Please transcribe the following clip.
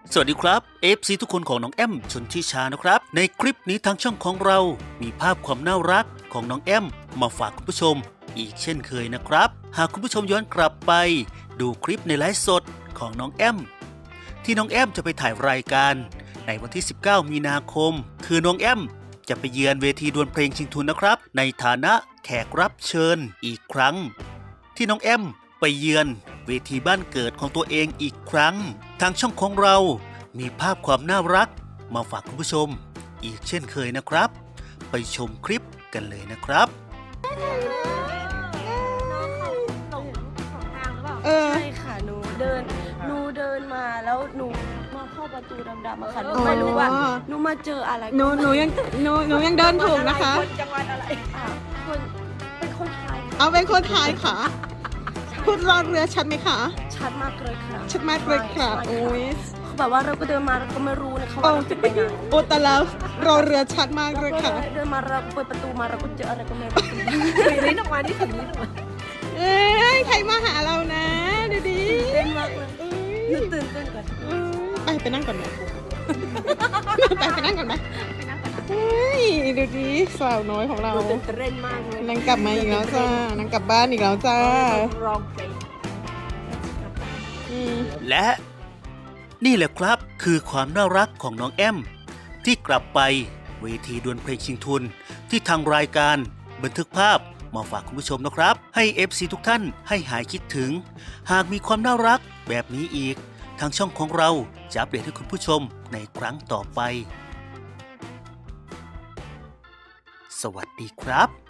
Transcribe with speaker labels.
Speaker 1: สวัสดีครับ FC ทุกคนของน้องแอมชนทิชานะครับในคลิปนี้ทางช่องของเรามีภาพความน่ารักของน้องแอมมาฝากคุณผู้ชมอีกเช่นเคยนะครับหากคุณผู้ชมย้อนกลับไปดูคลิปในไลฟ์สดของน้องแอมที่น้องแอมจะไปถ่ายรายการในวันที่ 19 มีนาคมคือน้องแอมจะไปเยือนเวทีดวลเพลงชิงทุนนะครับในฐานะแขกรับเชิญอีกครั้งที่น้องแอมไปเยือนเวทีบ้านเกิดของตัวเองอีกครั้งทางช่องของเรามีภาพความน่ารักมาฝากคุณผู้ชมอีกเช่นเคยนะครับไปชมคลิปกันเลยนะครับ
Speaker 2: น้องเขาหลงของทางหรือเปล่าใช่ค่ะหนูเดินมาแล้วหนูมาเข้าประตูดำๆอะค่ะหนูไม่รู้ว่าหนูมาเจออะไร
Speaker 3: หนูยังเดินถูกนะคะ
Speaker 2: คนจังหวัดอะไรคนเป็นคนไทย
Speaker 3: เอาเป็นคนไทยค่ะพูดรอเรือชัดไหมคะ
Speaker 2: ชัดมากเลยค่ะ
Speaker 3: ชัดมากเลยค่ะโอ้ย
Speaker 2: แบบว่าเราก็เดินมาเราก็ไม่รู้นะเขา
Speaker 3: โอ้
Speaker 2: ว่าเราจะไปไหน
Speaker 3: โอ้แต่แล้วรอเรือชัดมากเลยค่ะ
Speaker 2: เดินมาเราก็เปิดประตูมาเราก็เจออะไรก็ไม่รู้ลิ้นออกมานี่ถึงลิ้นออกมา
Speaker 3: เอ้ยใครมาหาเรานะดูดิ
Speaker 2: เต้นมากเลย
Speaker 3: เอ้
Speaker 2: หนู
Speaker 3: ย
Speaker 2: ตื่นเต้นก่อน
Speaker 3: ไปนั่งก่อนไหมไปนั่งก่อนไหม
Speaker 2: ไปนั่งก่อนนะ
Speaker 3: เฮ้ยดูดิสาวน้อยของเรา
Speaker 2: หนูตื่นเต้นมากเลย
Speaker 3: นางกลับมาอีกแล้วจ้านางกลับบ้านอีกแล้วจ้า
Speaker 2: ร้องเพลง
Speaker 3: อืม
Speaker 1: และนี่แหละครับคือความน่ารักของน้องแอมที่กลับไปเวทีดวลเพลงชิงทุนที่ทางรายการบันทึกภาพมาฝากคุณผู้ชมนะครับให้ FC ทุกท่านให้หายคิดถึงหากมีความน่ารักแบบนี้อีกทางช่องของเราจะอัปเดตให้คุณผู้ชมในครั้งต่อไปสวัสดีครับ